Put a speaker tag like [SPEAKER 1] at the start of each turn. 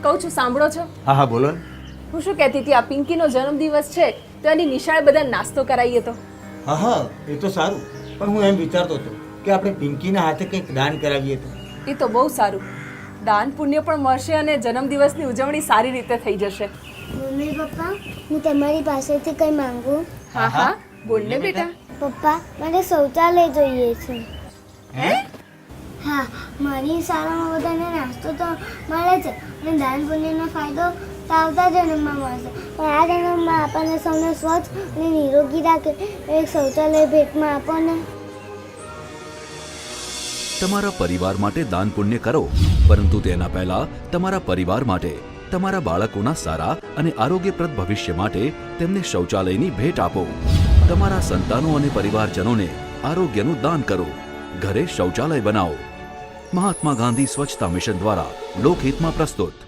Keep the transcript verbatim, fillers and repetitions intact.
[SPEAKER 1] કહું છું સાંભળો છો?
[SPEAKER 2] હા હા બોલો ને.
[SPEAKER 1] હું શું કહેતી હતી, આ પિંકીનો જન્મદિવસ છે તો એની નિશાળે બધા નાસ્તો કરાવીએ તો.
[SPEAKER 2] હા હા એ તો સારું, પણ હું એમ વિચારતો હતો કે આપણે પિંકીના હાથે કંઈક દાન કરાવીએ તો.
[SPEAKER 1] એ તો બહુ સારું, દાન પુણ્ય પણ મળશે અને જન્મદિવસની ઉજવણી સારી રીતે થઈ જશે.
[SPEAKER 3] મમ્મી પપ્પા, હું તમારી પાસેથી કંઈ માંગુ?
[SPEAKER 1] હા હા બોલ ને બેટા.
[SPEAKER 3] પપ્પા, મારે શૌચાલય જોઈએ છે.
[SPEAKER 1] હે?
[SPEAKER 3] હા, મારી શાળામાં બધાને નાસ્તો તો મળે છે અને દાન પુણ્યનો ફાયદો તો આવતા જન્મમાં મળશે, પણ આ જન્મમાં આપણને સૌને સ્વચ્છ અને નિરોગી રાખે એક શૌચાલય ભેટમાં આપો ને.
[SPEAKER 4] તમારા પરિવાર માટે દાન પુણ્ય કરો, પરંતુ તેના પહેલા તમારા પરિવાર માટે, તમારા બાળકોના સારા અને આરોગ્યપ્રદ ભવિષ્ય માટે તેમને શૌચાલયની ભેટ આપો. તમારા સંતાનો અને પરિવારજનોને આરોગ્યનું દાન કરો. ઘરે શૌચાલય બનાવો. મહાત્મા ગાંધી સ્વચ્છતા મિશન દ્વારા લોકહિતમાં પ્રસ્તુત.